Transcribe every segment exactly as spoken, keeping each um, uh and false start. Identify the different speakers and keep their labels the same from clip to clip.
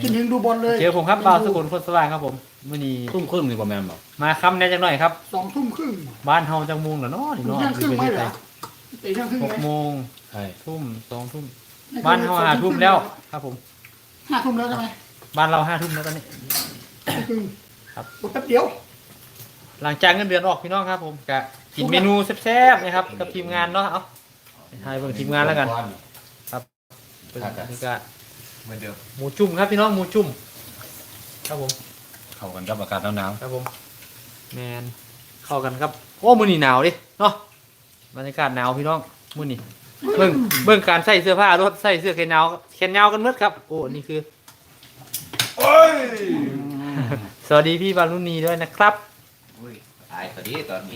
Speaker 1: กินถึงดูบอลเลย
Speaker 2: เจอผมครับบ่าวสกุลคนสว่างครับผมมื้อนี้
Speaker 3: ทุ่มครึ่งนี่ประมาณบอก
Speaker 2: มาค่ำแน่จังหน่อยครับ
Speaker 1: สองทุ่มครึ่ง
Speaker 2: บ้านเฮาจังมุงเหรอเนาะนี่
Speaker 1: ถึง
Speaker 2: เนาะ
Speaker 1: เที่ยงครึ่ง
Speaker 2: อยู่
Speaker 1: ไม่
Speaker 2: ประ
Speaker 1: เห
Speaker 2: เท
Speaker 1: ร
Speaker 2: ศ
Speaker 1: อ
Speaker 2: ไทย
Speaker 1: ตีเที่ยงครึ่ง
Speaker 2: ห
Speaker 1: ไห
Speaker 2: ก
Speaker 1: ม
Speaker 2: โมง
Speaker 3: ใช่
Speaker 2: ทุ่มสองทุ่มบ้านเฮาห้าทุ่มแล้วครับผม
Speaker 1: ห้าทุ่มแล้วใช่ไหม
Speaker 2: บ้านเราห้าทุ่มแล้วตอนนี้
Speaker 1: ครึ่ง
Speaker 2: ครับ
Speaker 1: แป๊บเดียว
Speaker 2: หลังจากเงินเดือนออกพี่น้องครับผมกะกินเมนูแซ่บๆนะครับกับทีมงานเนาะเอาให้เบิ่งทีมงานแล้วกันเป็นบรรยากาศ
Speaker 3: เหมือนเดิม
Speaker 2: หมูจุ่มครับพี่น้องหมูจุ่มครับผม
Speaker 3: เข้ากันกับอากาศหนาว
Speaker 2: ครับผมแมนเข้ากันครับโอ้มื้อนี้หนาวดิเนาะบรรยากาศหนาวพี่น้องมื้อนี้เบิ่งเบิ่งการใส่เสื้อผ้ารถใส่เสื้อแขนยาวแขนยาวกันหมดครับโอ้นี่คือ
Speaker 3: ๆโอ้ย
Speaker 2: สวัสดีพี่บารุณีด้วยนะครับ
Speaker 3: อุ้ยตายตอนนี้ตอนนี้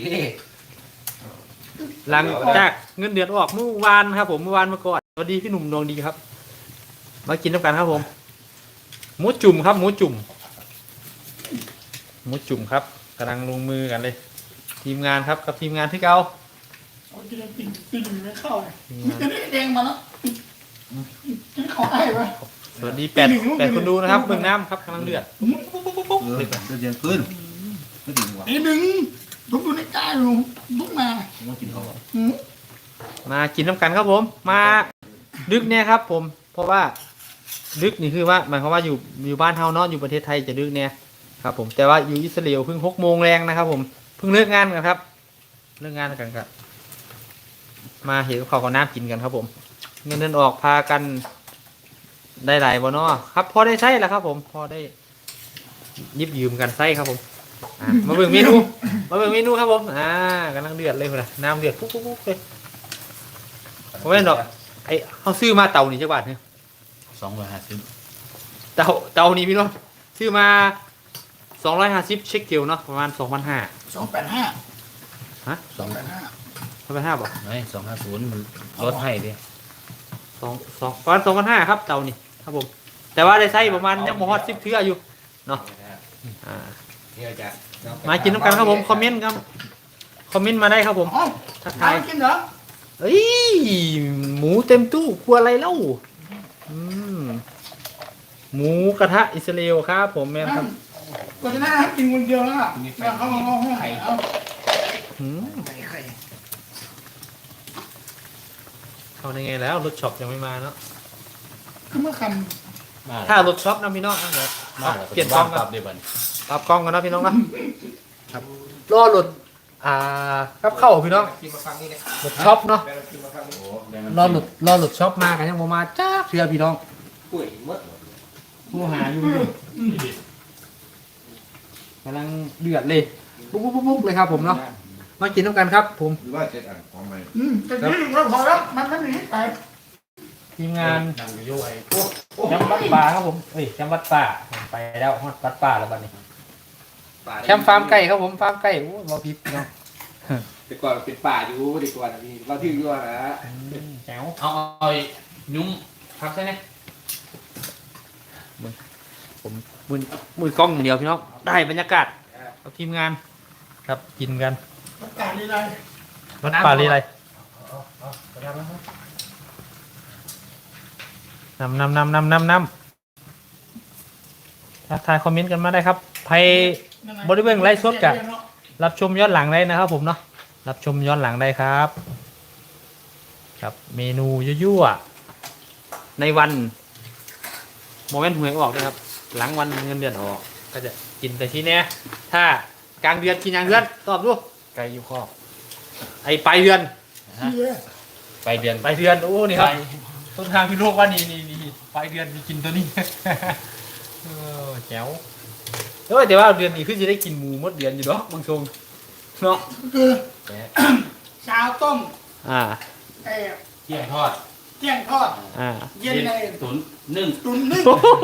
Speaker 2: หลังจากเงินเดือนออกเมื่อวานครับผมเมื่อวานเมื่อก่อนสวัสดีพี่หนุ่มดวงดีครับ มากินน้ำกันครับผมหมูจุ่มครับหมูจุ่มหมูจุ่มครับกำลังลงมือกันเลย ทีมงานครับกับทีมงานที่เก่า
Speaker 1: เอากินปิ่นปิ่นไม่เข้าเลยจะได้แดงมาแล้วจะได้ขอได้ปะ
Speaker 2: สวัสดีแปดแปดคนดูนะครับเบื้องน้ำครับกำลังเดือด
Speaker 3: เออเดี๋ยวเย็นขึ้นไม่ถึงว่ะ
Speaker 1: ไอ้หนึ่งลุกดูในใจลุงลุกมา
Speaker 3: ต้องกินเขา
Speaker 1: หืม
Speaker 2: มากินน้ำกันครับผม มาดึกเนี่ยครับผมเพราะว่าดึกนี่คือว่าหมายความว่าอยู่อยู่บ้านเฮาเนาะอยู่ประเทศไทยจะดึกเนี่ยครับผมแต่ว่าอยู่อิสราเอลเพิ่งหกโมงแรงนะครับผมเพิ่งเลิกงานกันครับเลิกงานกันครับมาเห็นข้าวกับน้ำกินกันครับผม เงินเดือนออกพากันได้หลายบ่เนาะครับพอได้ใช้แล้วครับผมพอได้ยิบยืมกันใช้ครับผมอ่ะมาเบิ่งเมนูมาเบิ่งเมนูครับผมอ่ากำลังเดือดเลยคนละน้ำเดือดปุ๊บปุ๊บปุ๊บเลยผมไม่เห็นหรอกไอเขาซื้อมาเตานี่จักบาทเนี่ย
Speaker 3: สองร้อยห้าสิบ
Speaker 2: เตาเตานี้พี่น้องซื้อมาสองร้อยห้าสิบเช็คเกลเนาะประมาณสองพันห้า
Speaker 1: สองแปดห้า
Speaker 2: ฮะ
Speaker 3: สอง
Speaker 1: แปดห้า
Speaker 2: สองพันห้าบอก
Speaker 3: ไม่สองห้าศูนย์มันลดให้ดิ
Speaker 2: สองสองประมาณสองพันห้าครับเตานี่ครับผมแต่ว่าได้ใช้ประมาณยังโมฮอตสิบเทื่ออยู่เนาะอ่า
Speaker 3: นี่จะ
Speaker 2: มากินน้ำกันครับผมคอมเมนต์ครับคอมเมนต์มาได้ครับผม
Speaker 1: อ๋อ
Speaker 2: ทัก
Speaker 1: ทา
Speaker 2: ทาย
Speaker 1: ยกินเหรอ
Speaker 2: เอ้ยหมูเต็มตู้กลัวอะไรเล่าอืมหมูกระทะอิสราเอลครับผมแม่ครับ
Speaker 1: ก็จะน่ากินคนเดียวแล้วอ่ะแล้วเขาเอาให้ไข่เอา
Speaker 2: อืม
Speaker 1: ไข่ไข่
Speaker 2: เข้าในไงแล้วรถช็อปยังไม่มาเนาะ
Speaker 1: คือเมื่อค
Speaker 3: มา
Speaker 2: ถ้ารถช็อปนะพี่น้องนะเดี๋ยว
Speaker 3: มาแล้ว
Speaker 2: เปลี่ยนกล้อง
Speaker 3: ป
Speaker 2: กั
Speaker 3: รั
Speaker 2: น
Speaker 3: บเดี๋ยวบัน
Speaker 2: ปรับกล้องกันนะพี่น้องนะครับรอรถอ่ากับเข้าพี่น้องรถช็อปเนาะ
Speaker 3: โอ้
Speaker 2: รอหลุดรอหลุดช็อปมากันยังบ่มาจ้าเชื่อพี่น้อง
Speaker 3: ป่วยมด
Speaker 2: ผู้หาอยู่อยู่กำลังเดือดเลยปุ๊บปุ๊บปุ๊บปุ๊บเลยครับผมเนาะมากินน้ำกันครับ ผม
Speaker 4: หรือว่าเจ็ดอ่างของใหม่
Speaker 1: ำอืมแต่นี่เราพอแล้วมันไม่มีไข่
Speaker 2: ทีมงาน
Speaker 3: นั่งอยู่ไอ้
Speaker 2: แชมป์วัดป่าครับผมเอ้ยแชมป์วัดป่าไปแล้วฮอดวัดป่าแล้วบัดนี้แชมป์ฟาร์มไก่ครับผมฟาร์มไก่โอ้บ่ผิดพี่น้อง
Speaker 5: แต่ก่อนเป็นป่าอยู่ดีกว่านะพี่เราที่อยู่นะ
Speaker 2: แจ๋ว
Speaker 3: เอาเอายุ่ม
Speaker 2: พักใช่ไหมผมมือมือกล้องอย่างเดียวพี่น้องได้บรรยากาศกับทีมงานครับกินกัน
Speaker 1: ประกาศอะไร
Speaker 2: วัดป่าลีไรนำนำนำนำนำนำทักทายคอมเมนต์กันมาได้ครับใครบริเวณไลฟ์สดกะรับชมย้อนหลังได้นะครับผมเนาะรับชมย้อนหลังได้ครับ ครับเมนูยั่วๆในวันโมเมนต์หวยออกนะครับ หลังวันเงินเดือนออก ก็จะกินแต่ทีเนี้ยถ้ากลางเดือนกินอย่างเดือนตอบดู
Speaker 3: ไก่อยู่ข้อ
Speaker 2: ไอ้ปลายเดือน
Speaker 3: ไปเดือน
Speaker 2: ปลายเดือนโอ้นี่ครับต้นทางพี่โลกว่านี่นี่นี่ปลายเดือนมีกินตัวนี้ เออแจ๋วเออแต่ว่าเดือนนี้คือจะได้กินหมูหมดเดือนอยู่เนาะบางทรงเนาะ
Speaker 1: คือ
Speaker 3: แกะ
Speaker 1: เช้าต้ม
Speaker 2: อ่า
Speaker 1: ไอ้
Speaker 3: เที่ยงทอด
Speaker 1: เที่ยงทอด
Speaker 2: อ่า
Speaker 1: เย็นเลย
Speaker 3: ตุ๋นนึ่ง
Speaker 1: ตุ๋นนึ่ง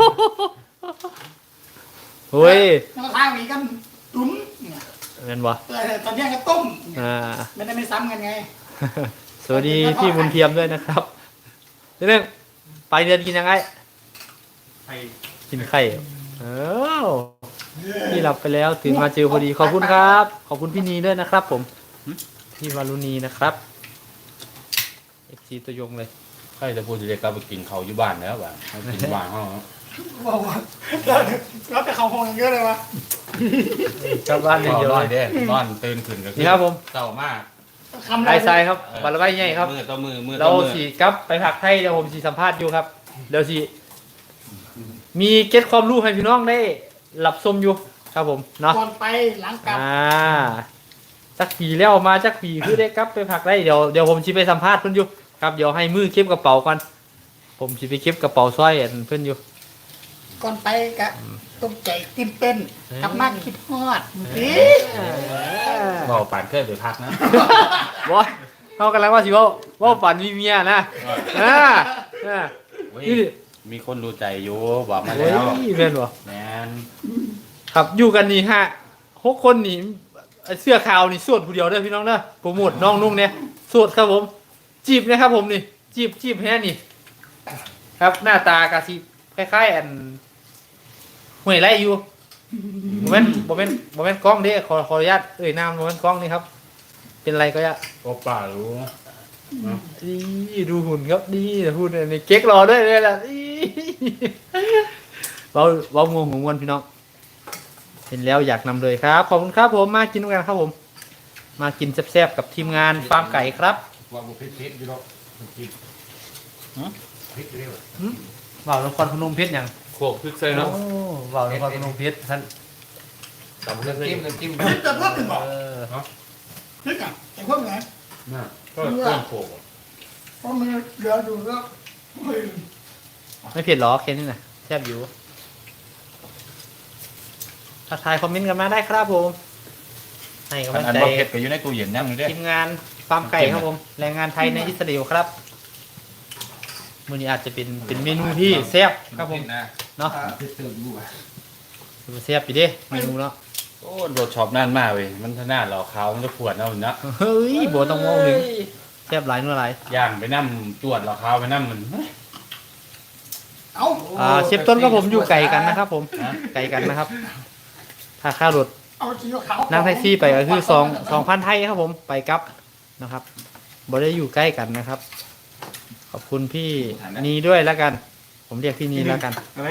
Speaker 2: เฮ้ย
Speaker 1: แล้วก็ทางนี้กันตุ๋นเนี่ย
Speaker 2: เงินวะ
Speaker 1: แต่ตอนเที่ยงก็ต้ม
Speaker 2: อ่า
Speaker 1: ไม่ได้ไม่ซ้ำกันไง
Speaker 2: สวัสดีพี่บุญเทียมด้วยนะครับเรื่องปลายเดือนกินยังไง
Speaker 3: ไข่
Speaker 2: กินไข่เออพี่หลับไปแล้วตื่นมาเจอพอดีขอบคุณครับ ขอบคุณพี่นีด้วยนะครับ ผมพี่วารุณีนะครับเอฟซีตัวยงเลย
Speaker 3: ไข่จะพูดจะเรียกกลับไปกินเขาอยู่บ้านแล้วว่ะให้กินบ้านเขา
Speaker 1: บอกว่าแล้วแล้วแต่เขาคงเยอะเลยวะ
Speaker 2: กลับบ้าน
Speaker 3: น
Speaker 2: อย่างเดียว
Speaker 3: อ
Speaker 2: เล
Speaker 3: น
Speaker 2: ย
Speaker 3: เด้นอนตื่นขึ้นก็
Speaker 2: นี่ครับผม
Speaker 3: เศร้ามาก
Speaker 1: คำ
Speaker 2: ไอ้ทรายครับบาร์ใบใหญ่ครับ
Speaker 3: มือต่อมือมือต่
Speaker 2: เรา
Speaker 3: อมือ
Speaker 2: สีกลับไปผักไทยเดี๋ยวผมสีสัมภาษณ์อยู่ครับเดี๋ยวสีมีเก็ตความรู้ให้พี่น้องได้หลับชมอยู่ครับผมเนาะ
Speaker 1: ก่อนไปหลังกลับ
Speaker 2: อ่าจักปีแล้วมาจักปีคือได้กลับไปผักได้เดี๋ยวเดี๋ยวผมชิไปสัมภาษณ์เพื่อนอยู่ครับเดี๋ยวให้มือเก็บกระเป๋าก่อนผมชิไปเก็บกระเป๋าสร้อยอันเพื่อนอยู่
Speaker 1: ก่อนไปกะตกใจตื่นเต้นกลับมาคิดฮอดนี่
Speaker 3: บอกปานเคยไปพักนะ
Speaker 2: บอสเขากำลังว่าสิว่าว่าฝันมีเมียนะอ่าอ่า
Speaker 3: โอ้ย
Speaker 2: นี่ดิ
Speaker 3: มีคนรู้ใจอยู่บอกมา
Speaker 2: โอ้
Speaker 3: แล้ว
Speaker 2: ยเป็นบ่
Speaker 3: แมน
Speaker 2: ครับอยู่กันนี่ฮะหกคนนี่เสื้อขาวนี่สวดผู้เดียวเด้อพี่น้องเด้อโปรโมทน้องนุ่งเนี่ยสวดครับผม จีบนะครับผมนี่ จีบจีบแค่นี่ ครับหน้าตากะสิคล้ายๆอันห่วยไรอยู่โมเมนโมเมนโมเมนกล้องเด้ขอขออนุญาตเอ่ยนามโมเมนกล้องนี่ครับ เป็นไรก็ยะ
Speaker 3: โอป้ารู้
Speaker 2: ดีดูหุ่นครับดีหุ่นนี่เก๊กรอด้วยเลยล่ะอีเบาเบางงของมวนพี่น้องเห็นแล้วอยากนำเลยครับขอบคุณครับผมมากินด้วยกันครับผม มากินแซ่บๆกับทีมงานฟาร์มไก่ครับ
Speaker 3: ว่าบุพิษพิษอยู่หรอกพิษพิษเร็ว
Speaker 2: เบานครพนมเพชรอย่าง
Speaker 3: โขกพริกใส่เนาะ
Speaker 2: โอ้เบานครพนมเพชรท่าน
Speaker 3: ตำน้ำจิ้มน้ำจิ้ม
Speaker 1: จะเพิ่มขึ้นบอก
Speaker 2: เออ
Speaker 1: นึกอ่ะแต่เพิ่มไง
Speaker 3: น่ะก็เพิ่มโขก
Speaker 1: เพราะมันเหลืออยู่แล้วเฮ้ย
Speaker 2: ไม่เผ็ดหรอแค่นี้นะแซ่บอยู่ทักทายคอมเมนต์กันมาได้ครับผมให้กำ
Speaker 3: อั
Speaker 2: ลั
Speaker 3: น
Speaker 2: ง
Speaker 3: อัน
Speaker 2: ใจ
Speaker 3: บ่เผ็ดก็อยู่ในตู้เย็นนั่งอยู่เด้
Speaker 2: ทีมงานฟาร์มไก่ครับผมแรงงานไทยในอิสราเอลครับมื้อนี้อาจจะเป็นเป็นเมนูที่แซ่บครับผมเนาะ
Speaker 3: พิษเติมอยู่อ่ะ
Speaker 2: แซ่บอยู่เดิเมนูเนาะ
Speaker 3: โอ้โดดช็อปนั่นมากเว้ยมันทนาเราขาวมันจะปวดเอาเนาะ
Speaker 2: เฮ้ยบัวต้องมองหนึ่งแซ่บหลายนัวหลาย
Speaker 3: ย่างไปนั่มตรวจเราขาวไปนั่มมัน
Speaker 1: เอา
Speaker 2: อ่าเชฟต้นกับผมอยู่ไกลกันนะครับ ผมไกลกันนะครับ ถ้าค่ารถ
Speaker 1: เอาสีขาว
Speaker 2: นั่งแท็กซี่ไปก็คือสองสองพันไทยครับผมไปกลับนะครับบ่ได้อยู่ใกล้กันนะครับ ขอบคุณพี่นีด้วยแล้วกัน ผมเรียกพี่นีแล้วกัน
Speaker 3: อะไร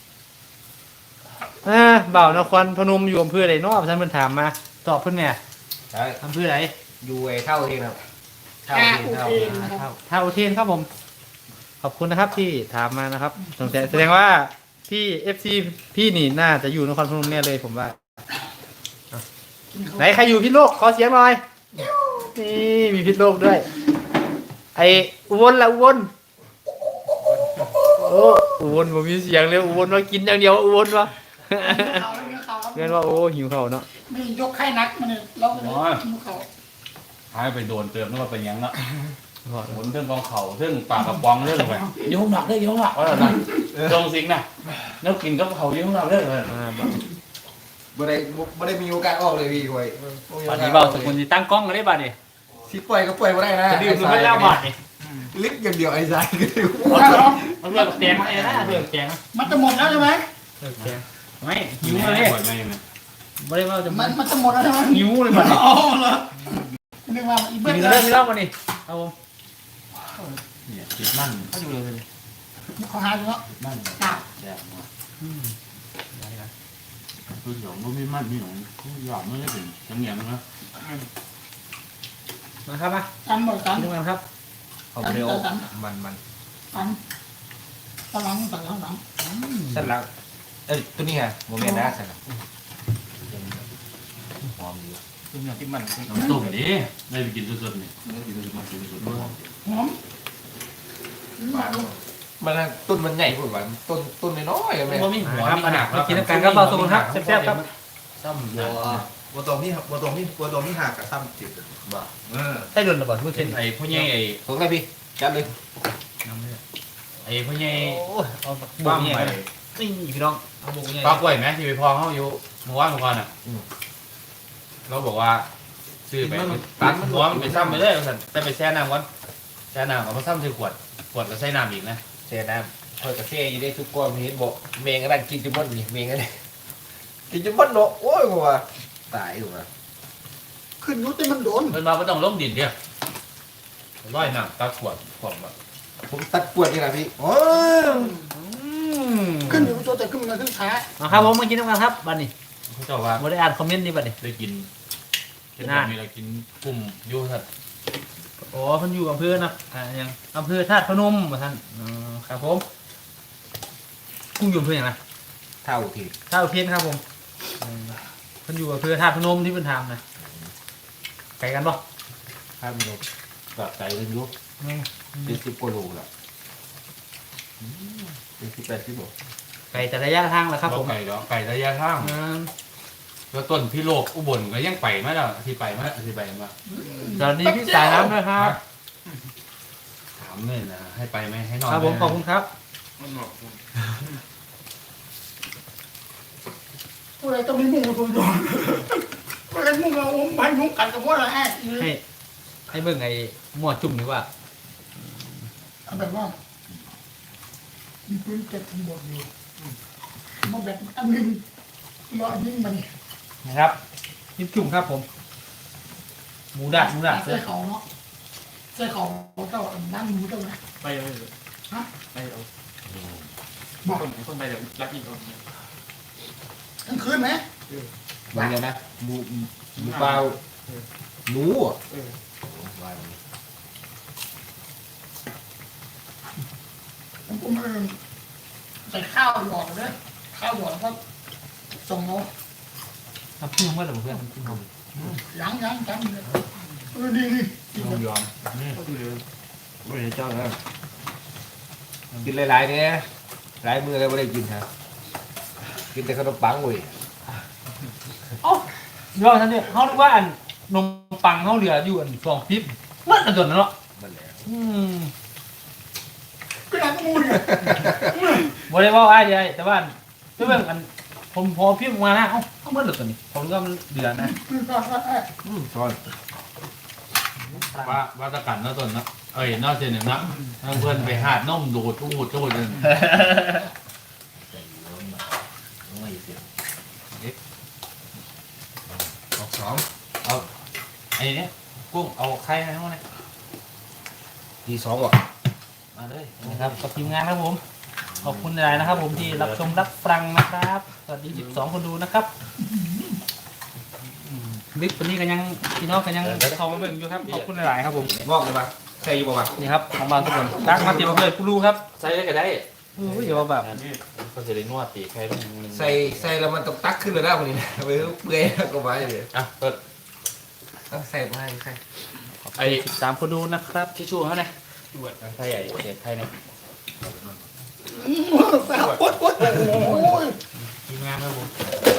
Speaker 2: อ่าบ่าวนครพนมอยู่อำเภอไหนเนาะท่านเพิ่นถามมาตอบเพิ่นแหน่
Speaker 3: ใช่
Speaker 2: อำเภอไหน
Speaker 3: อยู่ไอ้เท่าเองครับ
Speaker 1: ท่าอุเทนนะครับ
Speaker 2: ท่าท่าอุเทนครับผม ขอบคุณนะครับที่ถามมานะครับสงสัยแสดงว่าพี่ เอฟ ซี พี่นี่น่าจะอยู่นครพนมเนี่ยเลยผมว่า ไหนใครอยู่พิษโลกขอเสียงหน่อย นี่มีพิษโลกด้วย ไออุบลละอุบลโอ้อุบลผมมีเสียงเลยอุบลว่ากินอย่างเดียวอุบลวะ
Speaker 1: เขาเรื่องเขาครับ
Speaker 2: เรียนว่าโอ้หิวข้าวเนาะ
Speaker 1: ไม่ยกไข้นักมันเนี่ยเราเลยกินเขา
Speaker 3: หายไปโดนเติมนึกว่าเป็นยังเนาะหมุนเรื่องกองเข่าเรื่องปากกระป๋องเรื่องอะไรยุ่งหนักเลยยุ่งหนักว่าอะไรตรงสิงนะแล้วกินก็เขายุ่งหนักเรื่องอะไร
Speaker 2: อ่า
Speaker 4: บ่ได้บ่ได้มีโอกาสออกเลยพี่คอยบ่มีโอ
Speaker 2: บัด
Speaker 4: กา
Speaker 2: นี้
Speaker 4: ส
Speaker 2: เบาสกุลที่ตั้งกล้องกันได้บัดนี่
Speaker 4: สิปล่อยก็ปล่อยบ่ได้นะ
Speaker 2: จะดื่มหรือไม่เล่าบัดนี่
Speaker 4: ลิกอย่างเดียวไอ้สายก็ได้
Speaker 2: เอาเลือดแกงมาเลยนะเลือดแกง
Speaker 1: มันจะหมดแล้วใช่ไหม
Speaker 2: เลือดแกงไม่หิ
Speaker 3: ยุ่
Speaker 2: ว
Speaker 3: ง
Speaker 2: เล
Speaker 3: เลย ยไม่ไม่
Speaker 2: ไม่ได้ว่าจะ
Speaker 1: มั
Speaker 2: มัน น
Speaker 1: มันจะหมดแล้วใช่ไหม
Speaker 2: หิวเลยบัดนี่
Speaker 1: อ๋อเหรอนึกว่าอี
Speaker 2: กิ
Speaker 1: เบิ้
Speaker 2: น
Speaker 1: ล
Speaker 2: กัน
Speaker 1: เล
Speaker 2: เริ่
Speaker 1: ย
Speaker 2: มไม่เล่าบัดนี่เอาผม
Speaker 3: เนี่ยติดมัน
Speaker 2: เขาอยู่เลย
Speaker 1: เขาหาอยู่เนาะ
Speaker 3: มัน
Speaker 1: จ้า
Speaker 3: แย่มากคือหยองก็ไม่มันไม่หยองหยองไม่ได้เป็นจังเงียบนะ
Speaker 2: มาครับมา
Speaker 1: กันหมดกัน
Speaker 2: กินกันครับ
Speaker 4: เขาบ่ได้ออกมันมัน
Speaker 1: กันกำลังตัดข้างหลัง
Speaker 4: สั่นหลังเอ้ยตัวนี้ไงบ่แม่นนะสั่นหลังหอมอยู่
Speaker 3: ตัวเนี้ยที่มันน้ำต้มดิได้ไปกินสดๆนี่ได้กินสดๆกินสด
Speaker 1: หอม
Speaker 4: มันน่ะต้นมันใหญ่พุ่นว่าต้นต้นน้อยๆแม่
Speaker 3: ๆก็มีหัว
Speaker 2: ครับ
Speaker 3: มี
Speaker 2: มา
Speaker 3: หนัก
Speaker 2: มากินกันครับเบาสกุลครับแซ่บๆครับ
Speaker 3: ซ้ำ
Speaker 4: บ่บ่ตรงนี้บ่ตรงนี้บ่ตรงนี้หักกับซ้ำจิตบ่เออ
Speaker 2: ใช่โดนระเบิดพูด
Speaker 3: เป็
Speaker 2: เช่
Speaker 3: น
Speaker 2: น
Speaker 3: ไอ้พ่อใหญ่ไอ้
Speaker 4: ตรงได้พี่จัดเลย
Speaker 3: ไอ้พ่อใหญ่
Speaker 2: โอ้ยเอาบุ
Speaker 3: บ้าก ง
Speaker 2: เนี่ย
Speaker 3: ไป
Speaker 2: นี่พี่น้องเอาบุกเนี่ย
Speaker 3: ปลากล้วยไหมที่ไปพองเขาอยู่เมื่อวานเมื่อวานอ่ะเราบอกว่าซื้อไปตัดหัวมันไปซ้ำไปเลยสั่นแต่ไปแช่น้ำก่อนแช่น้ำเอามาซ้ำใส่ขวดขวดก็ใส่น้ำอีกนะ
Speaker 4: เสียน้ำเพิ่นก็เท่อยู่ได้ทุกคนเห็นบ่เมงก็ได้กินจุบ่นนี่เมงก็ได้กินจุบ่นเนาะโอ้ยบ่ว่าตายอยู่ว่ะ
Speaker 1: ขึ้นยุติมันโดน
Speaker 3: มันมาไม่ต้องล้มดินเดียวร้อยน้ำตัดขวดขวดแบบ
Speaker 4: ผมตัดปวดนี่ล่ะพี่โอ้ย
Speaker 2: ม
Speaker 1: ขึ้นอยู่ตัวแต่ขึ้นมันขึ้นช้า
Speaker 2: เอาครับผมมากินน้ำกันครับบัดนี้
Speaker 3: เขาเจ้าว่า
Speaker 2: บ่ได้อ่านคอมเมนต์นี่บัดนี้
Speaker 3: ได้กินเห็น
Speaker 2: น่า
Speaker 3: มีอะไรกินกลุ่มอยู่สัตว์
Speaker 2: อ๋อเพิ่นอยู่อำเภอนะอ่ายังอำเภอธาตุพนมว่าท่านอ๋อครับผมกุ้งอยู่อำเภอหยังนะ
Speaker 4: เท่าที
Speaker 2: ธาตุอุเทนครับผมอืมเพิ่นอยู่อำเภอธาตุพนมที่เพิ่นทำนะไกลกันบ่
Speaker 4: ถ้ามันแบบใจเป็นยุค
Speaker 2: อืม
Speaker 4: เป็นสิบกว่าโลแหละเป็นสิบแปดสิบโล
Speaker 2: ไกลแต่ระยะทางแหละครับผม
Speaker 3: ไก่เนาะไก่ระยะทาง
Speaker 2: อืม
Speaker 3: แล้วต้นพี่โลกอุบลก็ยังไปมาแล้วที่ไปมาที่ไปมา
Speaker 2: สวัสดีพี่สายน้ำด้วยครับ
Speaker 3: ถามเลยนะให้ไปไหมให้นอน
Speaker 2: ครับผมขอบคุณครับ
Speaker 1: ผู้ใดต้องมีมุ้งตัวโดนผู้ใดมุ้งเราอมพันมุ้งกันกับพวกเราแอบ
Speaker 2: ให้ให้เบิ่งไอ้หมวดจุ่มดีกว่า
Speaker 1: เอาแบบว่ามีปืนเก็บทั้งหมดอยู่มาแบบอันนึงรอยิงมัน
Speaker 2: นะครับยิ้มจุ่มครับผม หมูดัดหมูดัด
Speaker 1: ใส่เขาเนาะใส่เขาเจ้านั่งหมูเจ้านะ
Speaker 5: ไปเลยฮะไปเอา
Speaker 1: บอก
Speaker 5: คนคนไปเดี๋ยวรักอีกคน
Speaker 1: กลางคืนไหม
Speaker 4: บางอย่างนะหมูหมูเปล่าหนูอ่ะ
Speaker 5: เออ
Speaker 4: ว่าอย่างนี้
Speaker 1: ผมเออใส่ข้าวหยอดเลยข้าวหยอดแล้วก็ส่งเนาะ
Speaker 2: ทำพึ่งเมื่อไหร่เพื่อนพึ่งเขา
Speaker 1: ยังยังจำเลยเออดีดีดี
Speaker 4: ยอมยอม
Speaker 5: ก็คือ
Speaker 4: ไม่ได้เจ้านะกินหลายๆเนี่ยหลายมือเลยไม่ได้กินฮะกินแต่ขนมปังเว้ย
Speaker 2: เอ้าเดี๋ยวท่านเนี่ยเขาเรียกว่าอันนมปังเขาเหลืออยู่อันสองปิ๊บเมื่ออันตัวนั้นเนาะ
Speaker 4: มันแหละ
Speaker 2: อืม
Speaker 1: ก็นั่งมูเนี่ย
Speaker 2: บ่ได้เว่าอ้ายเดียวแต่ว่าเรื่องอันผมพอพิมพ์มานะเอ้าเอาเมื่อเหลือตัวนี้ผมก็มันเหลือนะ
Speaker 1: คือก็ก็เออ
Speaker 4: อืมช้อน
Speaker 3: ว่าว่าตะกันเนาะต้นเนาะเอ้ยนอกจากหนึ่งเนาะทางเพื่อนไปหาดนมดูดทุกหูทุกหูเลย
Speaker 4: ไม่เสีย
Speaker 3: ออกสองเอาไอ้เนี่ยกุ้งเอาไข่ให้เขาเนี่ย
Speaker 4: ทีสองว่ะ
Speaker 3: มาเลย
Speaker 2: นะครับกับทีมงานครับผมขอบคุณหลายนะครับผมที่รับชมรับฟังนะครับสวัสดีสิบสองคนดูนะครับบิ๊กวันนี้กันยังพี่น้องกันยังเข้ามาเบิ่งอยู่ครับขอบคุณหลายๆครับผม
Speaker 4: บอกเลยปะใส่อยู่ปะวะ
Speaker 2: นี่ครับของบางทุกคนรักมาเตรียมมาเลยกูรู้ครับ
Speaker 3: ใส่ได้ก็ได้
Speaker 2: โอ้ยอย่าว่าแบบ
Speaker 3: เขาจะได้นวดตีไข่ต้อง
Speaker 4: ใส่ใส่แล้วมันต้องตักขึ้นเลยนะคนนี้นะไปเปลือยก็ไปเลย
Speaker 3: อ่ะเปิด
Speaker 4: ต้องใส่มาให้ใส่
Speaker 3: ไอ้
Speaker 2: สิบสามคนดูนะครับ
Speaker 3: ทิชชู่เขาเนี่ยไข่ใหญ่เด็ดไข่เนี่ย
Speaker 1: แซ่บโอ๊ยโอ๊ยโอ้ย
Speaker 3: ทีมงานครับผม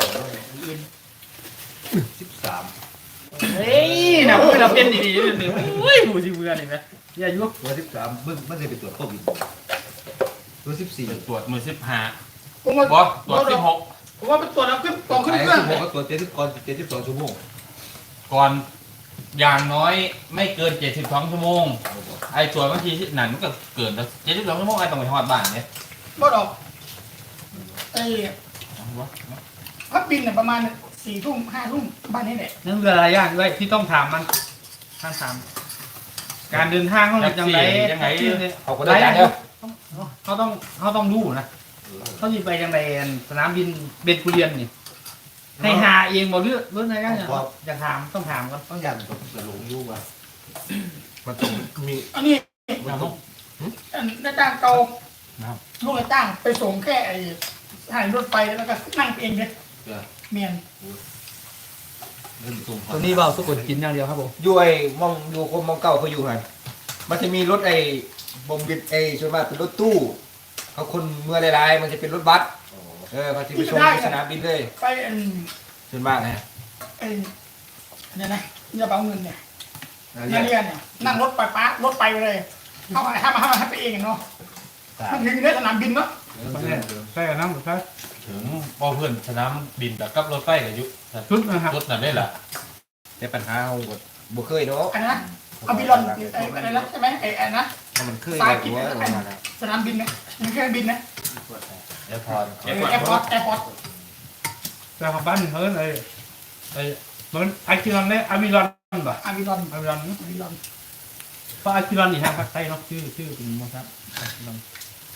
Speaker 4: สิบสาม
Speaker 2: เฮ้ยนะพวกเราเป็นดีๆนิดนึงโอ้ยหูชิเบื่อนี่ไหมอย่ายุ่ง
Speaker 4: ตัวสิบสามเบิ้งมันจะไปตรวจโควิดตัวสิบสี่
Speaker 3: ตรวจมือสิบห้า
Speaker 1: ผมว่า
Speaker 3: บอสตรวจสิบหก
Speaker 1: ผมว่าเป็นตัวเราขึ้นกองขึ้น
Speaker 4: ไอ้
Speaker 1: เครื่อง
Speaker 4: สิบหกก็ตรวจเจ็ดสิบก่อนเจ็ดสิบสองชั่วโมง
Speaker 3: ก่อนอย่างน้อยไม่เกินเจ็ดสิบสองชั่วโมงไอ้ตรวจบางทีที่นั่นมันก็เกินแล้วเจ็ดสิบสองชั่วโมงไอ้ต้องไปทอดบ้านเนี่ย
Speaker 1: บ่ดอกไอ้พักบินเนี่ยประมาณสี่ทุ่มห้าทุ่มบ้านนี้แหละ
Speaker 2: นั่นคืออะไรอย่างด้วยที่ต้องถามมันท่านถาม การเดินทางเขาเป็นยังไง
Speaker 3: ยังไง
Speaker 4: เขาก็ได้จ่ายเด้อ
Speaker 2: เขาต้องเขาต้องรู้นะเขาจะไปยังไงสนามบินเบนกุเรียนนี่ให้หาเองบอกเรื่องเรื่องอะไรกันเนี่ยอยากถามต้องถามกัน
Speaker 4: ต้องยันกับจะหลงยู่ว่ะมันต้องมี
Speaker 1: อันนี้
Speaker 2: ถามต้อง
Speaker 1: อันได้จ้างเก่าลูกไอ้จ้างไปส่งแค่ไอ้สถานีรถไฟแล้วก็นั่งเองเลยเมียน
Speaker 4: เงินสูง
Speaker 2: ตัวนี้เบาสุกุลกินอย่างเดียวครับผม
Speaker 4: อยู่ไอ้มองอยู่คนมองเก่าเขาอยู่หันมันจะมีรถไอ้บมบิดไอ้ส่วนมากเป็นรถตู้เขาคนเมื่อหลายๆมันจะเป็นรถบัสเออมันจะไปส่งที่สนามบินเลย
Speaker 1: ไปอัน
Speaker 4: ส่วนมากนะ
Speaker 1: ไอ้เนี่ยนะกระเป๋าเงินเนี่ย
Speaker 4: นั่น
Speaker 1: นัก
Speaker 4: แห
Speaker 1: เรีย
Speaker 4: ละ
Speaker 1: นเนี่ยนั่งรถไปป้ารถไปเลยเข้ามาให้มาให้มาให้ไปเองเนาะมันถึงได้สนามบินเนาะ
Speaker 2: ใช่น้ำใช่
Speaker 3: ถึงพอเพื่อนสนามบินแต่กับรถไฟกับยุ
Speaker 2: ชุดนะครับ
Speaker 3: รถนั่นได้แหละ
Speaker 4: แต่ปัญหาเขาก็บ่เคยเนาะ
Speaker 1: อันนั้นนะเอาบิลอนไอ้อะไรนะใช่ไหมไอ้อันนะ
Speaker 4: ถ้ามันเคยได้หัวประมาณนั้น
Speaker 1: สนามบินนะมันเครื่องบินนะ
Speaker 3: แอร์พอร์ต
Speaker 1: เออแอร์พอร์ตแอร์พอร์ต
Speaker 2: แต่ของบ้านเฮิร์นไอ้ไอ้เหมือนไอคิรอนเนี่ยอามิรอนป่ะ
Speaker 1: อาบิลอน
Speaker 2: อามิรอน
Speaker 1: อาบิลอน
Speaker 2: เพราะอาคิรอนนี่ฮะภาคใต้เนาะชื่อชื่อเป็นมั้งครับอาคิรอน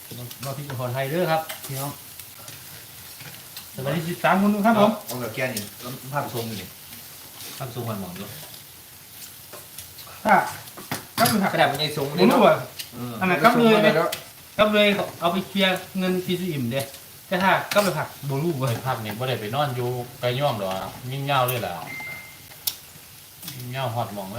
Speaker 2: เราที่ขอไทยเด้อครับพี่น้องสวัสดีสิบสามคนครับผม
Speaker 4: เอาแบบแก้นี่ภาพทรงนี่
Speaker 3: ทำซุปมันหมองด้วย
Speaker 2: ถ้าก็คือหัก
Speaker 4: กระดาษมันยังทรง
Speaker 2: หมุนตัวอันนั้นก็เลย
Speaker 4: แล้ว
Speaker 2: ก็เลยเอาไปเคลียร์เงินพีซีอิ่มเด้แต่ถ้าก็ไปผักโบลู
Speaker 3: ไป
Speaker 2: เว้ย
Speaker 3: ภาพนี้ไม่ได้ไปนอนอยู่ไกลย่อมหรอยิ่งเงาเลยล่ะยิ่งเงาหอดหมองเลย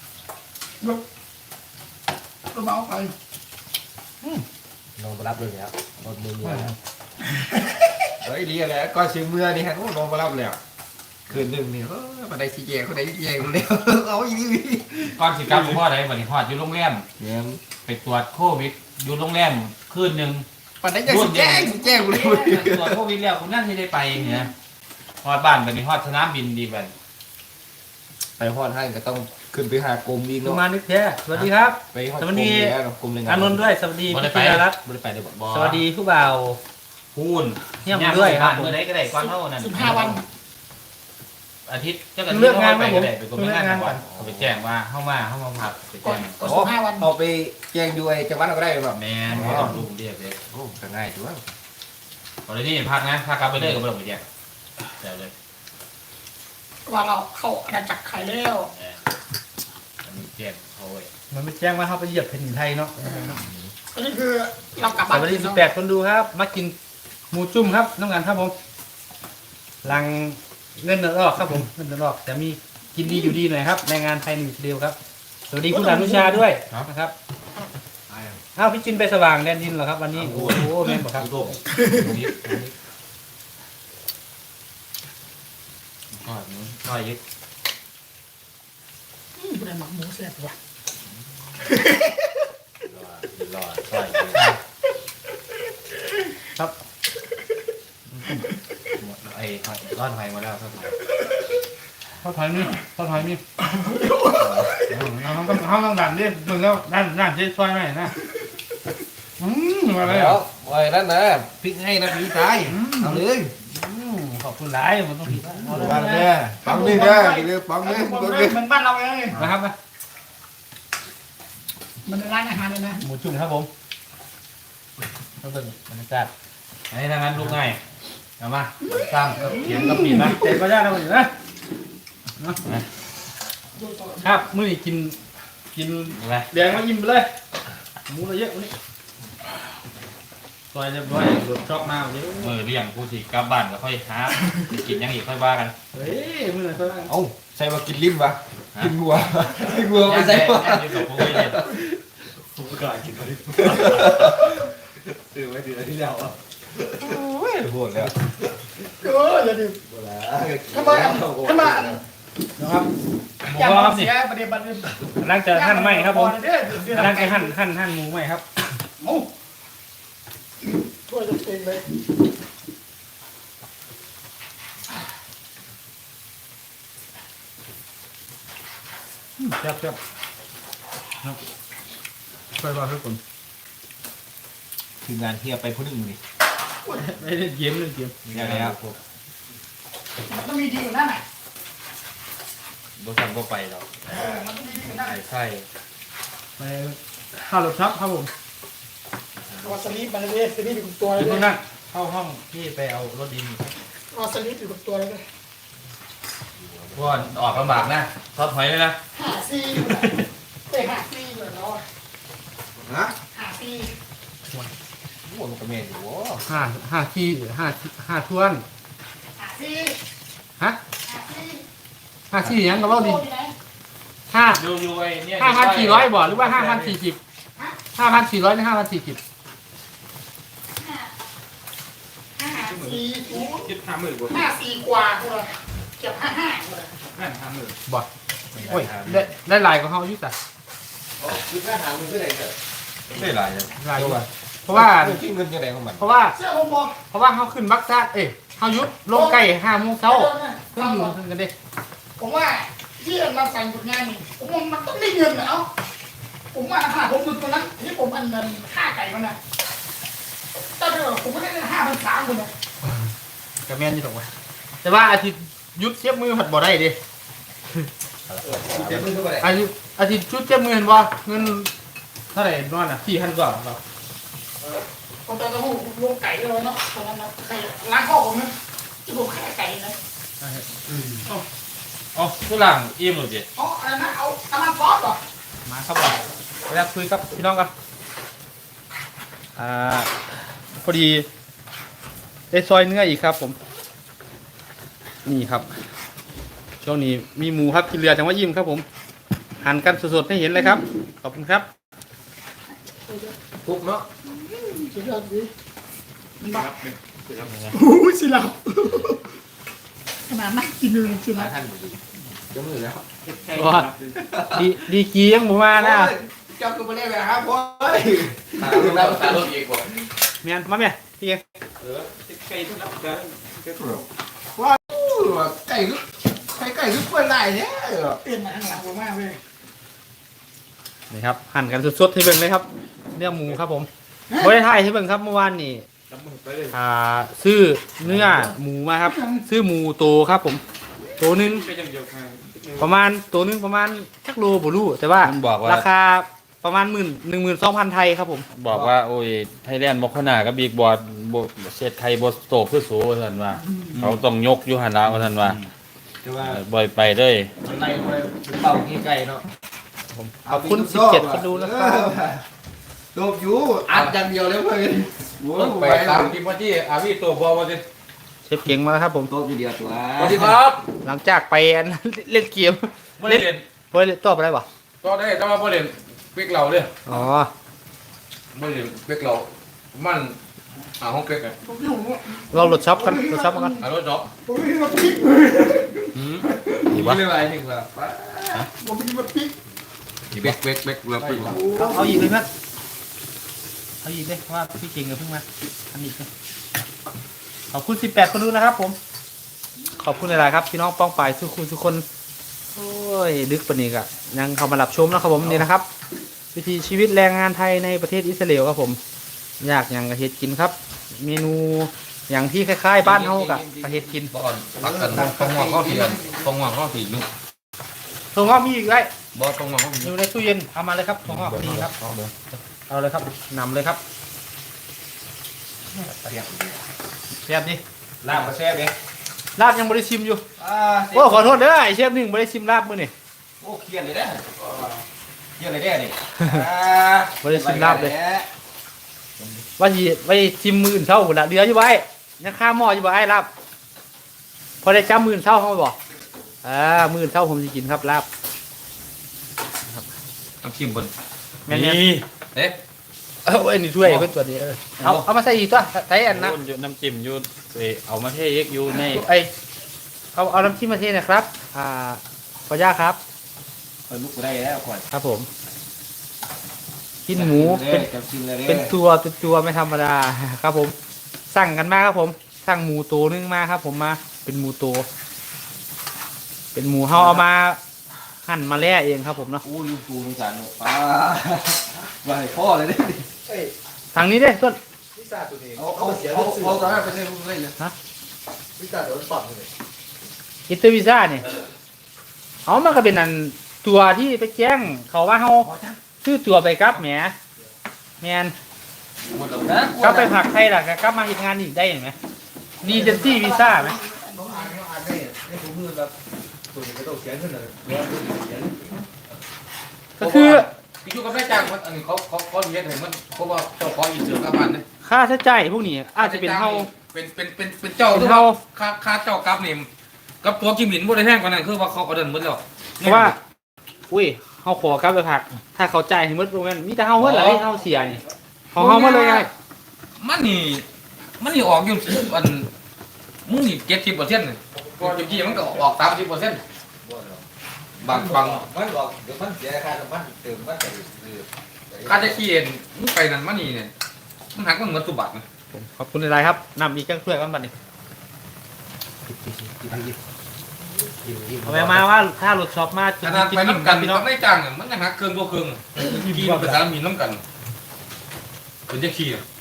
Speaker 1: ก็มาเอาไป
Speaker 5: ลงมารับเลยครับรถมือเนี่ย
Speaker 4: เฮ้ยดีแล้วก็ซื้อเมื่อนี่ฮะโอ้ลงมารับแล้วคืนหนึ่งนี่เออมาได้ชี้แจงคนใดชี้แจงคนเดียวเอาอีนี่
Speaker 3: ก่อนสิกลับพ่อได้บัดนี้ฮอดอยู่โรงแรม
Speaker 4: เนี่ย
Speaker 3: ไปตรวจโควิดอยู่โรงแรมคืนหนึ่ง
Speaker 4: ปันได้จะชี้แจงชี้แจงเลย
Speaker 3: ตรวจโควิดแล้วคุณนั่นที่ได้ไปเนี่ยฮอดบ้านบัดนี้ฮอดสนามบินดีบัด
Speaker 4: ไปฮอดให้ก็ต้องขึ้นไปหากรมอีก
Speaker 2: ตัว
Speaker 4: เนาะ
Speaker 2: มานึกแท้สวัสดีครับ
Speaker 4: ไปฮอด
Speaker 2: สวัสดี
Speaker 4: กรมเลย
Speaker 2: อานนท์ด้วยสวัสดี
Speaker 3: บ่ได้
Speaker 2: พี่
Speaker 3: ไป
Speaker 2: ธีรรัตน์
Speaker 3: บ่ได้ไปได้บ่
Speaker 2: สวัสดีผู้บ่าว
Speaker 3: พูน
Speaker 2: เยี่ยมด้วยครับ
Speaker 3: เมื่อไหร่ก็ได้ก่อนเท่านั้น
Speaker 1: สิบห้าวัน
Speaker 3: อาทิตย์เจ้ากัน
Speaker 2: เลือกงานไหม
Speaker 3: ไป
Speaker 2: ผม
Speaker 3: ก็ได้ไปกรม
Speaker 2: เลือก
Speaker 3: งาน
Speaker 2: งานก่
Speaker 3: ก่
Speaker 2: อ
Speaker 3: อน นเขาไปแจ้งว่าเข้ามาเข้ามาพักไป
Speaker 1: ก่อ
Speaker 3: แจ้
Speaker 1: น
Speaker 3: ง
Speaker 1: ก่อนสิบห้าวัน
Speaker 4: เอาไปแจ้งด้วยจังหวัดเราก็ได้แบบ
Speaker 3: แม่นไม่ต้องลูกเรียกเลย
Speaker 4: โอ้ก็ง่ายจังวะ
Speaker 3: ตอนนี้พักนะพักกลับไปเลยก็ไม่ต้องไปแจ้งเดี๋ยวเลย
Speaker 1: ว่าเราเข้าอาณาจักรไข่แล้ว
Speaker 3: เอออันนี้แจ้งเขาไว้
Speaker 2: มันไม่แจ้งว่าเขาไปเหยียบแผ่นดินไทยเนาะ
Speaker 1: อันนี้คือเรากลับ
Speaker 2: ส
Speaker 1: บ้าน
Speaker 2: วัสดีสิบแปดคนดูครับ มากินหมูจุ่มครับน้องกันครับผมหลังเงินเดือนออกครับผมเงินเดือนออกแต่มีกินดีอยู่ดีหน่อยครับแรงงานไทยหนึ่งเดียวครับสวัสดีคุณอนุชาด้วยนะครับอ้าวพี่จินไปสว่างแดนดินเหรอครับวันนี้โอ้โหแม่นบอกครับ
Speaker 3: โลกนี้ก็นี้ก็ยึด
Speaker 1: อืมเป็นหมักหมูเสียบว่ะ
Speaker 3: รอรอก็ยึด
Speaker 2: ครับ
Speaker 3: ไอ้ก้อนไฟมาแล้วครับ
Speaker 2: เขาถอยนี่เขาถอยนี่เขาต้องเขาต้องดันดิมึงก็ดันดันเจ๊ช่วยหน่อยนะอืมมาเลย
Speaker 4: เดี๋ยวไว้นั่นนะพริกให้นะพี่ชายเอาเลย
Speaker 2: ขอบคุณหลายมันต้องผิด
Speaker 4: วางเนี่ยปังนี่นะกินเลยปังนี่ปังนี่
Speaker 1: มันบ้านเราเอง
Speaker 2: นะครับนะ
Speaker 1: มันเป็นร้านอาหารเลยนะ
Speaker 2: หมูจุ่มครับผมก็เป็นบรรยากาศ
Speaker 3: ไอ้ทางนั้นลูกง่ายเอามาสร้างเขียนกับปีนนะ
Speaker 2: เจ๊ก็ยากนะมันอยู่นะ ครับมื้อนี้กินกิน
Speaker 3: อะไร
Speaker 2: แดงมายิ้มไปเลยหมูเราเยอะวันนี้ซอยเรียบร้อยรถชอบมากเยอะ
Speaker 3: มือเลี้ยงผู้ที่กลับบ้านก็ค่อยหากินยังอีกค่อยว่ากัน
Speaker 2: เฮ้ยมื้อไหนค่อยว่า
Speaker 4: เอ้าใส่มากินลิ้มวะกินวัวกินวัวไม่ใส่วะ
Speaker 3: อยู่กับผู้เรียน
Speaker 5: ผมก็กล้ากินเลยตื่นไว้ตื่นที่แล้วอ่ะ
Speaker 4: โอ้ยโหดแล้ว
Speaker 1: เอออย่าดื่ม
Speaker 5: เวลา
Speaker 1: ทำไมทำไม
Speaker 2: นะครับหมู
Speaker 1: อย่าก
Speaker 2: รอบ
Speaker 1: มา
Speaker 2: นี่
Speaker 1: เสียประเดี๋ยวบันเดี๋ยว
Speaker 2: กำลังจะหั่นไหมครับผม
Speaker 1: เดี๋ยวเดี๋ยว
Speaker 2: กำลังจะหั่นหั่นหั่นหมูไหมครับ
Speaker 1: โอ้ช่วยตัวเองเลย
Speaker 2: แซ่บแซ่บครับค่อยว่าทุกคน
Speaker 4: คืองานเทียบไปผู้หนึ่งนี่
Speaker 2: ไม่ได้เกมเล่นเกม
Speaker 4: ยังไงครับ
Speaker 1: มันต้องมีดีกว่านั้นอ่ะ
Speaker 3: บ่สั่งบ่ไปหรอก
Speaker 1: เออมันต้องมีดีกว่านั้น
Speaker 3: ไอ้ไข่
Speaker 2: ไปข้าวรถทับครับผม
Speaker 1: วาสลีปมันเลยสลีปอยู่กับตัวเล
Speaker 2: เดี๋
Speaker 1: ย
Speaker 2: ยว
Speaker 1: เล
Speaker 2: พวก
Speaker 1: ย
Speaker 2: นั้นเข้าห้องที่ไปเอารถดิน
Speaker 1: วาสลีปอยู่กับตัวเลยเลย
Speaker 3: พวกออกลำบากนะทอดหอยเลยนะ
Speaker 1: หาซีอยู่ไหนเอ้ยหาซีอยู่แล้วอะ
Speaker 4: ฮะ
Speaker 1: หาซี
Speaker 4: โอ้มันกระเมนอยู่วะ
Speaker 2: ห้าห้าที่ห้าห้าทวน
Speaker 1: หาซี
Speaker 2: ฮะ
Speaker 1: หาซี
Speaker 2: ห้าที่ยังกับรถดิน
Speaker 1: อยู่ไหน
Speaker 2: ห้า
Speaker 3: อยู่อยู่ไอ้เนี่ย
Speaker 2: ห้าพันสี่ร้อยบ่หรือว่าห้าพันสี่สิบห้าพันสี่ร้อยหรือห้าพันสี่สิบ
Speaker 1: ห้าห้าสี่ศูนย์
Speaker 5: คิดห้าหมื่นกว่า
Speaker 1: ห้าสี่กว่ากูเลยเกือบห้าห้ากูเลย
Speaker 5: นั่นห้าหมื่น
Speaker 2: บ่โอ้ยได้ได้ลายของเขาอยู่แต่
Speaker 5: คือค่าหามึงเท่าไหร่เถอะ
Speaker 3: ไม่หลายเลย
Speaker 2: ลายอยู่เพราะว่า
Speaker 4: ที่เงินยังไงของมัน
Speaker 2: เพราะว่า
Speaker 1: เสื้อผมบอก
Speaker 2: เพราะว่าเขาขึ้นบักซ่าเอ้ยเขายุดลงไก่ห้าโมงเช้าเพิ่งอยู่เพิ่งกันเด้
Speaker 1: ผมว่าที่เราสั่งหยุดงานนี่ผมว่ามันต้องได้เงินเหรอผมว่าถ้าผมหยุดตรงนั้นที่ผมอันเงินค่าไก่มันนะแต่เดี๋ยวผมไม่ได้ห้าพันสามคนนะ
Speaker 2: กระแมนอยู่ตรงว่าแต่ว่าอาทิตย์ยุดเทียบมือผัดบ่ได้ดิ
Speaker 4: เจ็บมือเท่าไหร่
Speaker 2: อาทิตย์อาทิตย์ชุดเทียบมือเห็นบ่เงินเท่าไหร่นอนอ่ะสี่พันกว่าครับ
Speaker 1: ผมตอนนั้นผมลงไก่เลยเนาะตอนนั้นนะไก่ล้างข้อผมนะที่ผมแค่ไก่นะ
Speaker 3: อ๋อทุหลังอิ่มหรือเปล่า
Speaker 1: อ๋ออะไรนะเอาน้ำมันซอสเหรอ
Speaker 2: มาครับผมเวลาคุยกับพี่น้องกันอ่าพอดีได้ซอยเนื้ออีกครับผมนี่ครับช่วงนี้มีหมูครับกินเรือจังหวัดยิ้มครับผมหั่นกันสดๆให้เห็นเลยครับขอบคุณครับ
Speaker 4: ทุกเนาะ
Speaker 1: สุดยอดดีบ้าโอ้ยสิเราขนาดนั่งกินเลยสิเรา
Speaker 4: ท่านจมือแล้ว
Speaker 2: ว่าดีดีกียังหมูมานะ
Speaker 4: เจ้าคือมาเล่นแบบครับพ่อตาลูกแล้วตาลูกอีกกว่า
Speaker 2: เมียนมาเมียพี่เอง
Speaker 5: เออไก่ทุกนับกัน
Speaker 4: ว่าไก่ลูกไก่ไก่ลูกเปิดไหลเนี่ย
Speaker 1: เปลี่ยนมาข้างหลังผมมากเลย
Speaker 2: นี่ครับหั่นกันสดๆให้เบิ่งเลยครับเนื้อหมูครับผมบริไทยให้เบิ่งครับเมื่อวานนี่
Speaker 5: น้ำมันไปเลย
Speaker 2: อ่าซื้อเนื้อหมูมาครับ ซื้อหมูโตครับผมโตหนึง
Speaker 5: ก็ยังเดียวกัน
Speaker 2: ประมาณตัวหนึงประมาณชักโลบ่รู้แต่ว่า
Speaker 3: มันบอกว่า
Speaker 2: ราคาประมาณหมื่นหนึ่งหมื่นสองพันไทยครับผม
Speaker 3: บอกว่าโอ้ยไทยแลนด์บอกขนาดกับบิ๊กบอร์ดเซตไทยบอสโตเพื่อสูท่านว่าเขาต้องยกอยู่หันแล้วท่านว่า
Speaker 4: แต่ว่า
Speaker 3: บ่อยไปเลย
Speaker 4: มันไล่ไปเป่าขี้ไก่เนาะ
Speaker 2: ขอบคุณสิบเจ็ดคนดูนะครับ
Speaker 4: โดบอยู่อัดอย่างเดียวเลยเพื่อน
Speaker 3: ไปตามที่พ่อที่อาพี่ตัวบอมาสิ
Speaker 2: เชฟเก่งมาแล้วครับผม
Speaker 4: โดบอยู่เดียวตัว
Speaker 3: สวัสดีครับ
Speaker 2: หลังจากไปอัน เล่นเกม
Speaker 3: ไม่ได้เรียน
Speaker 2: เฮ้ยตอบอะไรวะ
Speaker 3: ก็ได้แต่ว่าไม่เรียนเป็กเราเลย
Speaker 2: อ๋อ
Speaker 3: ไม่เรียนเป็กเรามันอ่าห้องเป็กอะ
Speaker 1: ผมอยู่ผม
Speaker 2: เราโหลดช็อปกันโหลดช็อปกัน
Speaker 3: อ่ารถจ๊อบ
Speaker 1: ผมไม่มาพริก
Speaker 2: ดีวะ
Speaker 4: เรื่องอะไรหนึ่งละ
Speaker 1: ผมไม่มาพริก
Speaker 3: เป็กเป็กเป็กเราเป็ก
Speaker 2: เอาเอาอีกเลยนะเอาอีกเลยเพราะว่าพี่เก่งกับเพิ่งมาอันนี้เลยขอบคุณสิบแปดคนดูนะครับผม ขอบคุณหลายๆครับพี่น้องป้องปายทุกคนทุกคนโอ้ยดึกปานนี้กะยังเข้ามารับชมนะครับผมนี่นะครับ วิถีชีวิตแรงงานไทยในประเทศอิสราเอลครับผมอยากอย่างกระเฮ็ดกินครับ เมนูอย่างที่คล้ายๆบ้านเฮากะกระเฮ็ดกิน
Speaker 3: บ่อนปักกันตรงหัวข้อผีกันตรงหัวข้อผีนึก
Speaker 2: ถั่วงอกมีอีกไร
Speaker 3: บ่ตรงหัวข้อผี
Speaker 2: อยู่ในตู้เย็นเอามาเลยครับถั่วงอกนี่ครับเอาเลยครับนำเลยครับเชฟดิ
Speaker 4: ลาบมาแซ่บเอง
Speaker 2: ลาบยังบริชิมอยู่
Speaker 4: อ่า
Speaker 2: โอ้ขอโทษเด้อไอเชฟหนึ่งบริชิมลาบมื้อนี่
Speaker 4: โอ้เครียดเลยนะเครียดเลยเนี่ยนี่
Speaker 2: บริชิมลาบเลย ว่าสิไว้ชิมมื้ออื่นเช้าพุ่นละเดืออยู่ไว้ยังข้ามหม้ออยู่บ่ไอ้ลาบพอได้จำมื้ออื่นเช้าเขาบ่อ่ามื้ออื่นเช้าผมสิกินครับลาบ
Speaker 3: น้ำจิ้มบน
Speaker 2: แม่นๆ
Speaker 3: นี่เอ๊ะ
Speaker 2: เอาไอ้นี่ถ้วยเพิ่นตัวนี้เออเอาเอามาใส่อีกตัวใส่อันนะ
Speaker 3: อยู่น้ำจิ้มอยู่เอ้ยเอามาเทเอ็กอยู่ใน
Speaker 2: ไอเอาเอาน้ำจิ้มมาเทหนะครับ อ่าขออนุญาตครับ
Speaker 4: เออลูกกูได้แล้วก่อน
Speaker 2: ครับผมกินหมูเป็น
Speaker 4: จับกินเลย
Speaker 2: เป็นตัวเป็นตัวไม่ธรรมดาครับผม สั่งกันมาครับผม สั่งหมูตัวนึงมาครับ ผมมาเป็นหมูตัวเป็นหมูเฮาเอามาหั่นมาแล่เองครับผมเนาะ
Speaker 4: อู้ลูกกูสงสารหนูป้าว่าให้พ่อเลยดิ
Speaker 2: ทางนี้เด้ต้น
Speaker 4: เอาเอาเอาเอาตอนนั้นไปเล่นลูกเล่นเลย
Speaker 2: อินเตอร์วีซ่าเนี่ยเอามันก็เป็นอันตัวที่ไปแจ้งเขาว่าเฮาซื้อตัวไปกลับแหมแมน
Speaker 4: หมดแล้วนะ
Speaker 2: กลับไปผักไทยล่ะก็กลับมาเฮ็ดงานอีกได้เห็นไหมดีเจนซี่วีซ่าไหม
Speaker 4: น้องอ่านน้องอ่านได้ได้ถุงมือแบบตัวนี้ก็ต้องเขียนขึ้นเลยแล้วเขียน
Speaker 2: ก็คือ
Speaker 3: พี่ชูก็ไม่จ้างมันอันนี้เขาเขาเขาเรียกให้มันเพราะว่าเจ้าของอินเตอร์กับมันนะ
Speaker 2: ค่าใช้จ่ายพวกนี้อาจจะเป็นเฮา
Speaker 3: เป็นเป็นเป็นเป็นเจ้า
Speaker 2: เป็น
Speaker 3: ที่
Speaker 2: เฮา
Speaker 3: ค่าค่าเจ้ากับนี่กับตัวกิมหลินบ่ได้แพงกว่านั้นคือว่าเขาเอาเดินหมดแล้ว
Speaker 2: เพราะว่า อุ้ยเฮาขอกลับไปผัก ถ้าเขาจ่ายให้หมดโรงงานมีแต่เฮาเฮ็ดล่ะเฮาเสียนี่ของเฮาหมดเลยไง
Speaker 3: มันนี่มันนี่ออกอยู่อันมึงนี่เจ็ดสิบเปอร์เซ็นต์ก่อนจีมันก็ออกสามสิบเปอร์เซ็นต์บางบาง
Speaker 4: มันบอกเดี๋ยวมันเสียค่าน้ำมันเติมมันไปเออ
Speaker 3: ค่าจะขี้เอ็นมึงไปนั่นมันนี่เนี่ยมันหักมันเหมือนสุบัตินะ
Speaker 2: ผมขอบคุณหลายๆครับนำอีกจังถ้วยกันบัดนี้เอาไปมาว่าถ้ารถช็อปมา
Speaker 3: ขนาดไปน้ำกัน
Speaker 2: พี่
Speaker 3: น้
Speaker 2: น้
Speaker 3: อ
Speaker 2: อง
Speaker 3: งไม่จ้างเนี่ยมันยังหักเครื่องตัวเครื่องขี้มันเป็นสารมีน้ำกันเป็นจะขี้อะ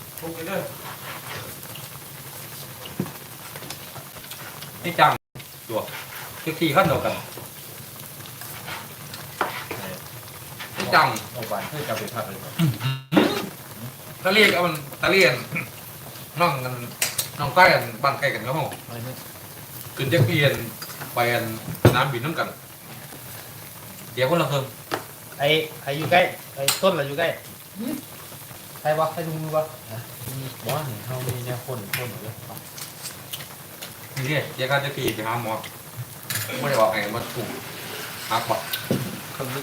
Speaker 3: ไม่จ้างตัวจะขี้ขั้นเดียวกันไม่จ้าง
Speaker 4: เอาไปเพื่อจะไปพักเลย
Speaker 3: ข
Speaker 5: ะเลียกเอามันตะเลียนน้องกันน้องใกล้กันบ้านใกล้กันก็ห้อง
Speaker 2: อะไรเนี่ย
Speaker 5: ขึ้นแจ็คเพียนไปอันน้ำบินน้ำกันเดี๋ยวคนละเพิ่ม
Speaker 2: ไอ้ไอ้อยู่ใกล้ไอ้ต้นเราอยู่ใกล้ใครวะใครดูมือวะ
Speaker 3: บอกว่าเฮามีแนวคนคนอยู่เลย
Speaker 5: นี่เนี่ยเดี๋ยวก็จะขี่ไปหาหมอไม่ได้บอกไงว่าถูกหักบอก
Speaker 4: คนนึก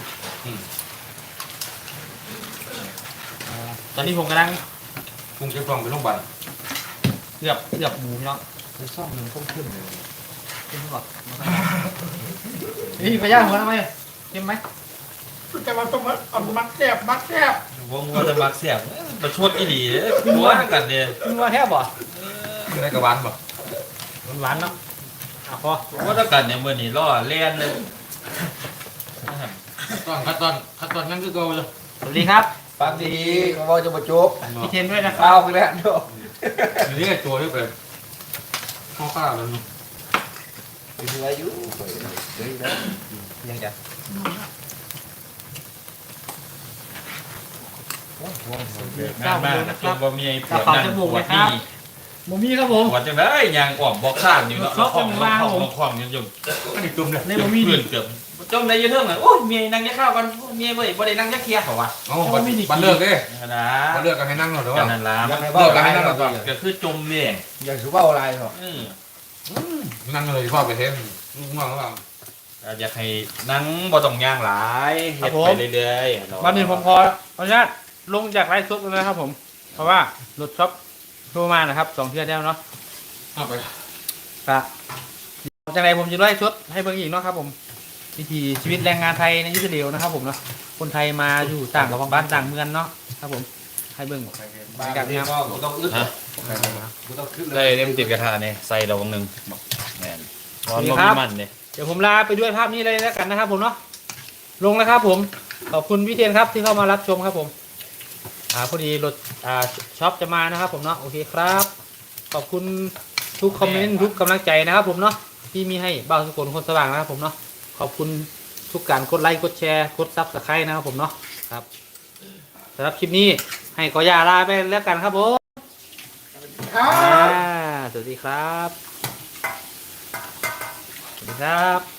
Speaker 2: ตอนนี้ผมกำลัง
Speaker 5: พุงเจ็บท้องไปโรงพยาบาล
Speaker 2: เกือบเกือบหมูพี่น้อง
Speaker 3: ในซ่อมมันคงขึ้นเลย
Speaker 2: กินก่อนนี่พยายามหัวทำไมกินไหม
Speaker 1: แต่ว่าต้องมาเอามักแซ่บมักแซ่บ
Speaker 3: วงว่าจะมักเสียบประชดอีหลีหัวกันเนี่ย
Speaker 2: กินว่าแทบบ่
Speaker 5: ได้กระบาลบ่
Speaker 2: หวานๆเนาะอ่ะพอ
Speaker 3: ว่าถ้ากันเนี่ยมื่อนี้ล่อเล่นเลย
Speaker 5: ตอนขั้นตอนขั้นตอนนั้นคือเก่าเลย
Speaker 2: สวัสดีครับ
Speaker 4: ฟังดีเขาบอกจะมาจบ
Speaker 2: พี่เทนด้วยนะครั
Speaker 4: เอา
Speaker 2: บ
Speaker 4: ไปแล้วเนาะ
Speaker 5: อยู่นี่ตัวที่เป็นข้าวข้าวเลย
Speaker 4: มีอายุเฮ้ยนะยังจะ
Speaker 3: งานมากนะจนบ่มีปวดนั่นปวดนี่
Speaker 2: หมูมี่ครับผม
Speaker 3: ปวดจังเลยยางอ่อมบอกข้ามอยู่เนาะแล้วของแล้วของแล้วของอยู่
Speaker 5: อันนี้ตุ่มเลย
Speaker 2: ในหมูมี่
Speaker 3: เพื่
Speaker 2: ดิ
Speaker 3: อนเกือบจมในยืนเทิงเลยโอ้ยเมียนั่งยักข้าวกันเมียบ่ได้บ่ได้นั่งยักเคลียร์เขาวะ
Speaker 5: อ๋อบันบันเลิกเด้
Speaker 3: นะ
Speaker 5: บันเลิกกันให้นั่งหน่อยเด้อ
Speaker 3: กันนั่นล่ะ
Speaker 4: ยั
Speaker 3: มั
Speaker 4: ง
Speaker 3: น
Speaker 4: ไงบ้าอะไรเนาะ
Speaker 3: ก็คือจมเนี่ย
Speaker 4: อย่างสุบ้าอะไรเหรอ
Speaker 3: เออ
Speaker 5: นั่งเลยพ่อไปเทมลูกง่วงหรือเปล่า
Speaker 3: อยากให้นั่งบ่ต้องย่างหลายเฮ็ดไปเรื่อยๆ
Speaker 2: วันหนึ่งผมพอขออนุญาตลงจากไลฟ์สดเลยนะครับผม เพราะว่ารถช็อปโทรมานะครับสองเทื่อแล้วเนาะ
Speaker 5: เอาไป
Speaker 2: ครับจากไหนผมจะไล่ชดให้เบิ่งอีกเนาะครับผมวิถีชีวิตแรงงานไทยในอิสราเอลนะครับผมเนาะคนไทยมาอยู่ต่างกับบ้านต่างเมืองเนาะครับผมให้เบิ่ง
Speaker 4: บ้านนี้ก็กูต้องอึดกูต้องขึ้นเล
Speaker 3: ได้
Speaker 4: ย
Speaker 3: เล่มติดกระทะเนี่ยใส่เราวงหนึ่งแม่นร้อน
Speaker 2: นี่
Speaker 3: บ่
Speaker 2: ครั
Speaker 3: มี
Speaker 2: บ
Speaker 3: มันเนี่ย
Speaker 2: เดี๋ยวผมลาไปด้วยภาพนี้เลยแล้วกันนะครับผมเนาะลงแล้วครับผมขอบคุณพี่เทียนครับที่เข้ามารับชมครับผมอ่าพอดีรถอ่าช็อปจะมานะครับผมเนาะโอเคครับ ขอบคุณทุกคอมเมนต์ทุกกำลังใจนะครับผมเนาะที่มีให้บ่าวสุกลคนสว่างนะครับผมเนาะขอบคุณทุกการกดไลค์กดแชร์กดซับสไครต์นะครับผมเนาะครับสำหรับคลิปนี้ให้กอยาลาไปแล้วกันครับผม
Speaker 1: ครั
Speaker 2: อ่า
Speaker 1: บ
Speaker 2: สวัสดีครับสวัสดีครับ